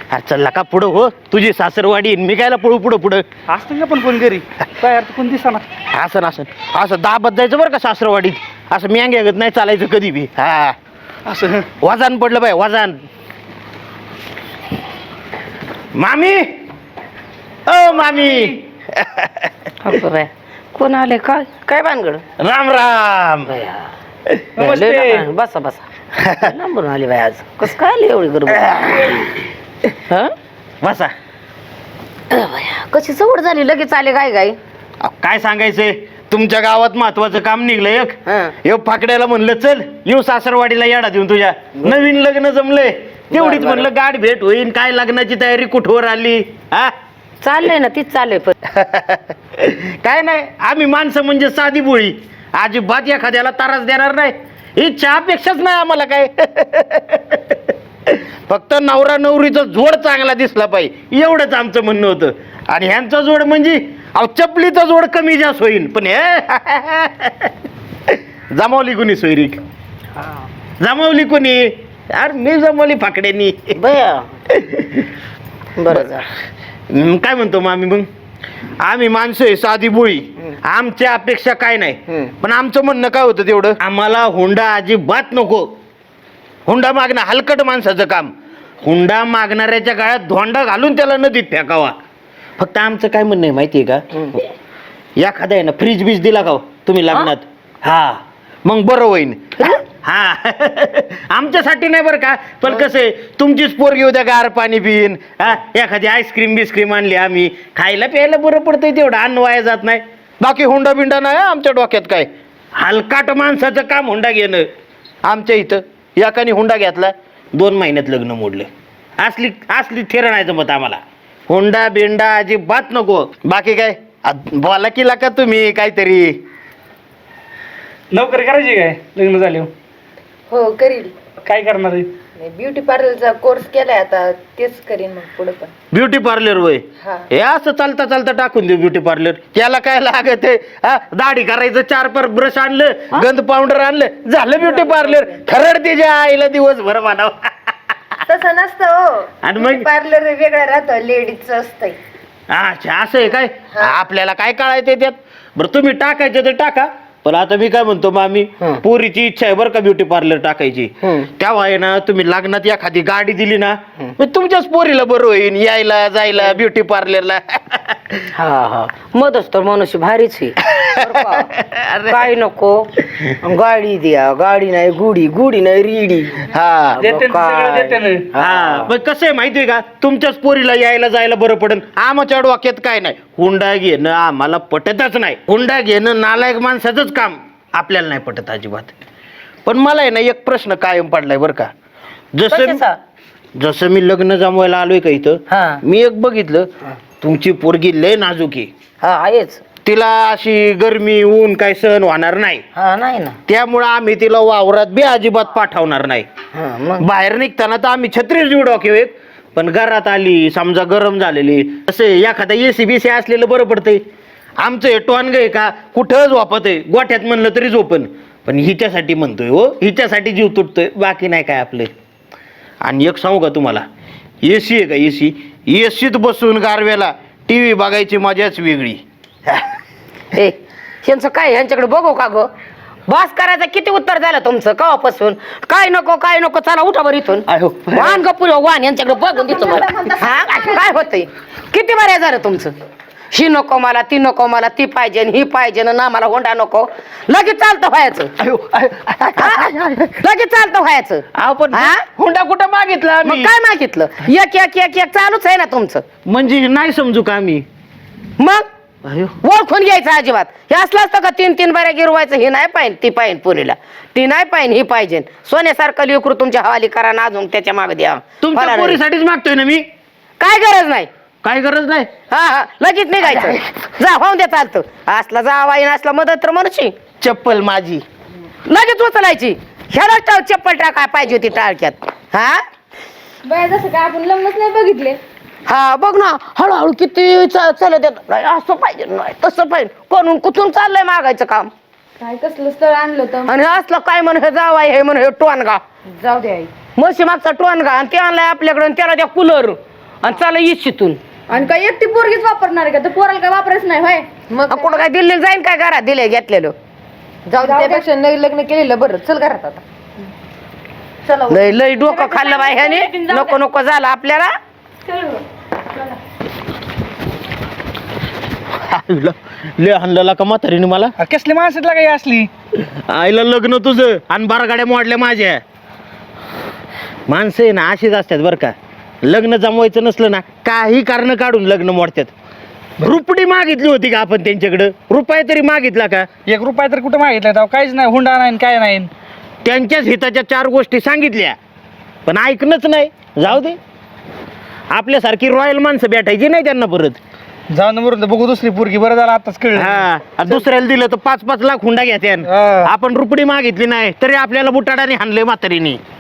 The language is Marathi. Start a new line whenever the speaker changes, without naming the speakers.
चल का पुढं हो, तुझी सासरवाडी मी कायला पळू पुढं पुढं.
असतं का पण कोण घरी काय अर्थ कोण दिसा ना.
असं असं दाबत जायचं बरं का सासरवाडीत, असं म्यांग्यागत नाही चालायचं कधी बी. हा
असं
वजन पडलं बाय वजन. मामी ओ मामी.
कोण आले काय काय भानगड?
राम राम.
नमस्ते.
बसा बसा. लांबून आली बाई आज, कसं काय आली एवढी गरब?
बसा.
कशी सवड झाली लगेच आले काय काय?
काय सांगायचंय, तुमच्या गावात महत्वाचं काम निघलं एक. येऊ फाकड्याला म्हणलं चल येऊ सासरवाडीला येडा देऊन तुझ्या. नवीन लग्न जमलंय, तेवढीच म्हणलं गाठ भेट होईल. काय लग्नाची तयारी कुठवर आली? हा
चाललंय ना, तीच चाललंय. पण
काय नाही, आम्ही माणसं म्हणजे साधी बोळी, अजिबात एखाद्याला त्रास देणार नाही. इच्छा अपेक्षाच नाही आम्हाला काय. फक्त नवरा नवरीचा जोड चांगला दिसला पाहिजे, एवढंच आमचं म्हणणं होतं. आणि ह्यांचा जोड म्हणजे चपलीचा जोड कमी जास्त होईल, पण हे जमावली कोणी सोयरीक? जमावली कोणी? यार मी जमावली फाकड्यांनी.
बया बरं झालं.
काय म्हणतो मामी मग? आम्ही माणसं आहे साधी बोळी, आमच्या अपेक्षा काय नाही. पण आमचं म्हणणं काय होतं तेवढं, आम्हाला हुंडा अजिबात नको. हुंडा मागणं हलकट माणसाचं काम. हुंडा मागणाऱ्याच्या काळात धोंडा घालून त्याला नदीत फेकावा. फक्त आमचं काय म्हणणं आहे माहितीये का, एखादा आहे ना फ्रीज बीज दिला का तुम्ही लग्नात, हा मग बरं होईन. हा आमच्यासाठी नाही बरं का, पण कसं आहे तुमचीच पोरगी उद्या गार पाणी पिईन. हा एखादी आईस्क्रीम बिस्क्रीम आणली आम्ही, खायला प्यायला बरं पडतंय, तेवढं अन्न वाया जात नाही. बाकी हुंडा बिंडा नाही आमच्या डोक्यात काय. हलकाट माणसाचं काम हुंडा घेणं. आमच्या इथं एकाने हुंडा घेतला, 2 महिन्यात लग्न मोडलं. असली असली थेर नाही जमत आम्हाला. हुंडा बिंडा अजिबात नको. बाकी काय बोला की का तुम्ही काहीतरी.
नोकरी करायची काय लग्न झाले?
हो करील.
काय करणार आहे?
ब्युटी पार्लरचा कोर्स केलाय आता, तेच करीन मग पुढे पण.
ब्युटी पार्लर होय?
हा.
हे असं चालता चालता टाकून देऊ ब्युटी पार्लर. त्याला काय लागत आहे? दाढी करायचं, 4 ब्रश आणलं, गंध पावडर आणलं, झालं ब्युटी पार्लर. खरड त्याच्या आईला दिवसभर म्हणाव.
तसं नसतं हो.
आणि मग
पार्लर वेगळं राहतं, लेडीजचं असतंय.
अच्छा असं आहे काय? आपल्याला काय कळायचं त्यात. बरं तुम्ही टाकायचं तर टाका, पण आता मी काय म्हणतो मामी, पोरीची इच्छा आहे बरं का ब्युटी पार्लर टाकायची. तेव्हा आहे ना तुम्ही लग्नात एखादी गाडी दिली ना, मग तुमच्याच पोरीला बरं होईल यायला जायला ब्युटी पार्लरला.
हा हा मदच तर मनुष्य भारीच आहे. काय नको गाडी द्या, गाडी नाही गुडी, गुडी नाही रिडी.
हा
देते ना, सगळं देते ना.
हा पण कसं आहे माहितीये का, तुमच्याच पोरीला यायला जायला बरं पडेल. आमच्या डोक्यात काय नाही, हुंडा घेणं आम्हाला पटतच नाही. हुंडा घेणं नालायक माणसाचंच काम, आपल्याला नाही पटत अजिबात. पण मला आहे ना एक प्रश्न कायम पडलाय बरं का. जसं मी लग्न जमवायला आलोय का इथं, मी एक बघितलं, तुमची पोरगी लय नाजूक आहे.
हा आहेच.
तिला अशी गरमी ऊन काय सहन होणार नाही.
हा नाही ना.
त्यामुळं आम्ही तिला वावरात बी अजिबात पाठवणार नाही. बाहेर निघताना तर आम्ही छत्रीच जीव डोक्यात, पण घरात आली समजा गरम झालेली, असं एखादा एसी बीसी असलेलं बरं पडतंय. आमचं हे टोनग आहे का, कुठं झोपत आहे, गोठ्यात म्हणलं तरी झोपन. पण हिच्यासाठी म्हणतोय हो, हिच्यासाठी जीव तुटतोय, बाकी नाही काय आपलं. आणि एक सांगू का तुम्हाला, एसी आहे का एसी, एसीत बसून गारव्याला टीव्ही बघायची मजाच वेगळी.
ए ह्यांचं काय, ह्यांच्याकडे बघू का ग? बस करायचं किती उत्तर झालं तुमचं कवापासून? काय नको काय नको, चला उठा बरं इथून. वाहन गपुर वाहन यांच्याकडे बघून देतो मला. हा काय होतंय? किती बऱ्या झालं तुमचं. ही नको मला, ती नको मला, ती पाहिजे ही पाहिजे ना, मला होंडा नको. लगेच चालतं व्हायचं, लगेच चालतं व्हायचं.
पण हुंडा कुठं मागितला
मग काय मागितलं? एक एक एक एक चालूच आहे ना तुमचं.
म्हणजे नाही समजू का आम्ही?
मग ओळखून घ्यायचं अजिबात. हे असलं असतं का 3-3 बाऱ्या गिरवायचं, हे नाही पाहिजे ती पाहिजे पुरीला, ती नाही पाहिजे ही पाहिजे. सोन्यासारखं लेकरू तुमच्या हवाली करा ना, अजून त्याच्या मागे द्या.
तुमच्या पोरीसाठीच मागतोय ना मी.
काय गरज नाही,
काय गरज नाही.
हा हा लगेच निघायचं. जा होऊन द्या चालतं. असला जावाई असला मदत तर म्हणूची.
चप्पल माझी
लगेच उचलायची. ह्याला चप्पल टाकाय पाहिजे होती टाळक्यात. हा
बाय जसं काय आपण लग्नच नाही बघितले.
हा बघ ना, हळूहळू किती चालत येत. असं पाहिजे नाही तसं पाहिजे, कोणून कुठून चाललंय मागायचं काम.
काय कसलं स्थळ आणलं तर
आणि असलं काय म्हण हे जावाय, हे म्हण हे टोनगा.
जाऊ दे आई.
म्हशी मागचा टोनगा आणि ते आणलाय आपल्याकडे, त्याला त्या कूलर आणि चला इच्छितून
आणि काय एकटी पोरगीच वापरणार आहे का तर पोराला काय वापरायचं नाही होय
मग
कुठं काय दिल्लीला जाईन काय घरात दिले घेतलेलं
जाऊ दे, त्यापेक्षा नाही लग्न केलेलं बरं. चल घरात आता. चला
लय लय डोकं खाल्लं बाई ह्याने नको नको झालं आपल्याला
ले हाणलेला का म्हातारीने मला
कसली माणसातला काही असली
आईला लग्न तुझं आणि बारा गाड्या मोडल्या माझ्या. माणसं आहे ना अशीच असतात बरं का. लग्न जमवायचं नसलं ना काही कारण काढून लग्न मोडतात. रुपडी मागितली होती का आपण त्यांच्याकडं? रुपये तरी मागितला का?
1 रुपया तर कुठं मागितला तेव्हा काहीच नाही हुंडा नाही काय नाही
त्यांच्याच हिताच्या 4 गोष्टी सांगितल्या पण ऐकणंच नाही. जाऊ दे आपल्यासारखी रॉयल माणसं भेटायची नाही त्यांना परत.
जाऊन मरून बघू दुसरी पोरगी बरं झालं आताच कळलं
हा आणि दुसऱ्याला दिलं तर 5-5 लाख हुंडा घ्या.
हा.
आपण रुपडी मागितली नाही तरी आपल्याला बुटाडाने हाणले म्हातारीने.